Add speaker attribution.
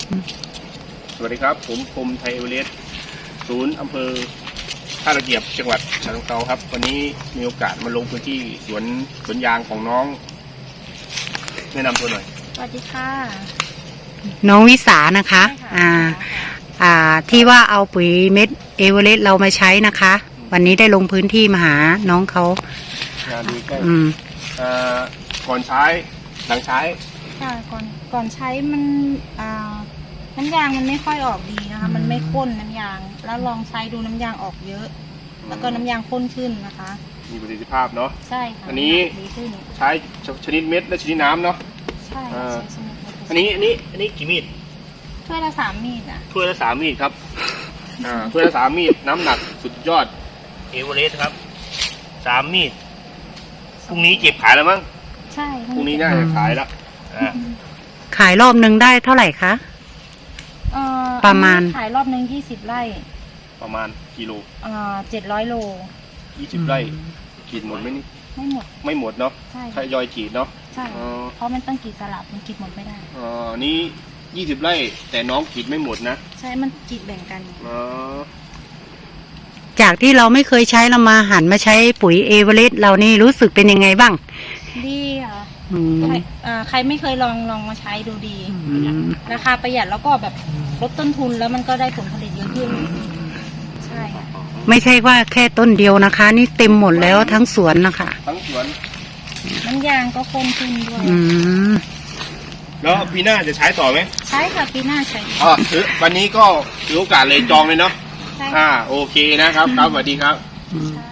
Speaker 1: สวัสดีครับผมคมไทยเอเวอเรสต์ศูนย์อำเภอท่าตะเกียบจังหวัดฉะเชิงเทราครับวันนี้มีโอกาสมาลงพื้นที่สวนยางของน้องแนะนำตัวหน่อย
Speaker 2: สวัสดีค่ะ
Speaker 3: น้องวิสานะคะที่ว่าเอาปุ๋ยเม็ดเอเวอเรสต์เรามาใช้นะคะ วันนี้ได้ลงพื้นที่มาหาน้องเขา
Speaker 1: ดูใกล้ก่อนใช้หลังใช้
Speaker 2: ค่ะก่อนใช้มันน้ำยางมันไม่ค่อยออกดีนะคะมันไม่ข้นน้ำยางแล้วลองใช้ดูน้ำยางออกเยอะแล้วก็น้ำยางข้นขึ้นนะคะ
Speaker 1: มีประสิทธิภาพเนาะ
Speaker 2: ใช่ค่ะ
Speaker 1: อันนี้ใช้ชนิดเม็ดและชนิดน้ำเนาะ
Speaker 2: ใช่ชนิด
Speaker 1: อันนี้กี่มีด
Speaker 2: ถ้วยละ3 มีด
Speaker 1: ถ้วยละ3 มีดครับถ้วยละ3 มีดน้ำหนักสุดยอดเอเวอเรสต์ครับ3 มีดพรุ่งนี้เก็บขายแล้วมั้ง
Speaker 2: ใช่
Speaker 1: พรุ่งนี้น่าจะขายแล้ว
Speaker 3: ขายรอบนึงได้เท่าไหร่คะประมาณ
Speaker 2: ขายรอบนึง20 ไร่
Speaker 1: ประมาณกิโล
Speaker 2: 700 โล
Speaker 1: 20 ไร่ขีดหมดไหมนี่ไม่หมดเนาะทยอยขีดเนาะ
Speaker 2: ใช่เพราะมันต้องขีดสลับมันขีดหมดไม่ได้
Speaker 1: นี้20 ไร่แต่น้องขีดไม่หมดนะ
Speaker 2: ใช่มันขีดแบ่งกัน
Speaker 3: จากที่เราไม่เคยใช้เรามาหันมาใช้ปุ๋ยเอเวอเรสต์เรานี่รู้สึกเป็นยังไงบ้าง
Speaker 2: ดีค่ะใครไม่เคยลองมาใช้ดูดีราคาประหยัดแล้วก็แบบลดต้นทุนแล้วมันก็ได้ผลผลิตเยอะขึ้นใช่ค่ะ
Speaker 3: ไม่ใช่ว่าแค่ต้นเดียวนะคะนี่เต็มหมดแล้วทั้งสวนนะคะ
Speaker 1: ทั้งสวน
Speaker 2: น้ำยางก็ข้นขึ้นด้วย
Speaker 1: แล้วปีหน้าจะใช้ต่อไหม
Speaker 2: ใช่ค่ะปีหน้าใช้
Speaker 1: ถือวันนี้ก็ถือโอกาสเลยจองเลยเนาะโอเคนะครับสวัสดีครับ